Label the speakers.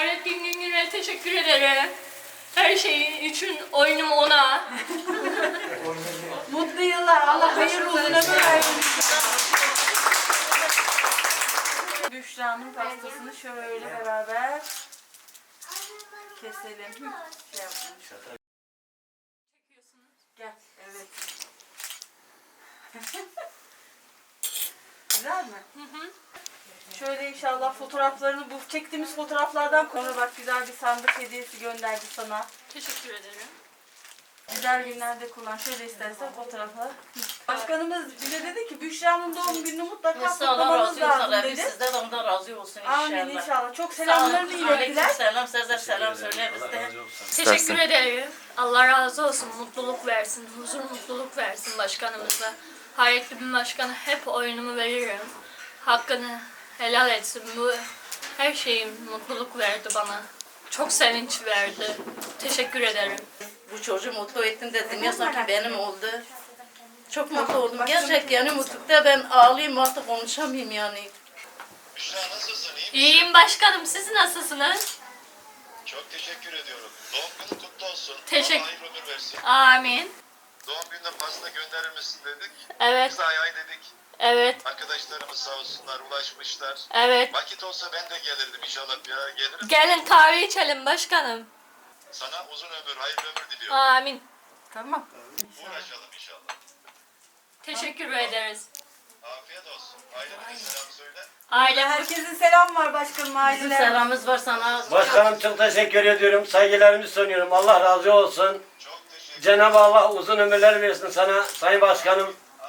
Speaker 1: Fahrettin Güngör'e teşekkür ederim. Her şeyin için oyunum ona.
Speaker 2: Mutlu yıllar. Allah hayırlı uzun ömür versin. Büşra'nın pastasını şöyle beraber keselim. Şey yapalım. Gel. Evet. Güzel mi? Şöyle inşallah fotoğraflarını, bu çektiğimiz fotoğraflardan sonra bak güzel bir sandık hediyesi gönderdi sana.
Speaker 1: Teşekkür ederim.
Speaker 2: Güzel günlerde kullan. Şöyle istersen fotoğrafı. Başkanımız bize dedi ki Büşra'nın doğum gününü mutlaka
Speaker 3: Allah
Speaker 2: kutlamanız
Speaker 3: razı
Speaker 2: lazım
Speaker 3: olsun.
Speaker 2: dedi.
Speaker 3: Sizden ondan razı olsun inşallah.
Speaker 2: Amin inşallah. Çok selamlarını ilettiler.
Speaker 3: Aleykümselam. Size selam söyle bizde.
Speaker 1: Teşekkür ederim. Allah razı olsun. Mutluluk versin. Huzur, mutluluk versin başkanımıza. Hayrettin Başkan'a hep oyunumu veririm. Hakkını helal etsin. Bu her şeyim mutluluk verdi bana. Çok sevinç verdi. Teşekkür ederim.
Speaker 3: Bu çocuğu mutlu ettin de dünya sanki benim oldu. Çok mutlu oldum. Gerçek yani mutlulukta ben ağlayayım artık konuşamayayım yani.
Speaker 4: Büşra nasılsın? İyi misin?
Speaker 1: İyiyim başkanım. Siz nasılsınız?
Speaker 4: Çok teşekkür ediyorum. Doğum günün kutlu olsun.
Speaker 1: Teşekkür-
Speaker 4: Allah hayırlı ömür versin.
Speaker 1: Amin.
Speaker 4: Doğum gününe pasta gönderir misin dedik.
Speaker 1: Evet,
Speaker 4: Biz de ay dedik.
Speaker 1: evet,
Speaker 4: Arkadaşlarımız sağ olsunlar ulaşmışlar.
Speaker 1: evet.
Speaker 4: Vakit olsa ben de gelirdim inşallah. Ya gelirim.
Speaker 1: Gelin kahve içelim başkanım.
Speaker 4: Sana uzun ömür, hayırlı ömür diliyorum.
Speaker 1: Amin.
Speaker 2: Tamam.
Speaker 4: Uğraşalım inşallah.
Speaker 1: Teşekkür ederiz.
Speaker 4: Afiyet olsun. Ailene selam söyle.
Speaker 1: Ailem
Speaker 2: Herkesin selam var başkanım
Speaker 3: Bizim
Speaker 2: aileler.
Speaker 3: selamımız var sana.
Speaker 5: Başkanım çok teşekkür ediyorum. Saygılarımı sunuyorum. Allah razı olsun.
Speaker 4: Çok teşekkür ederim.
Speaker 5: Cenab-ı Allah uzun ömürler versin sana Sayın Başkanım.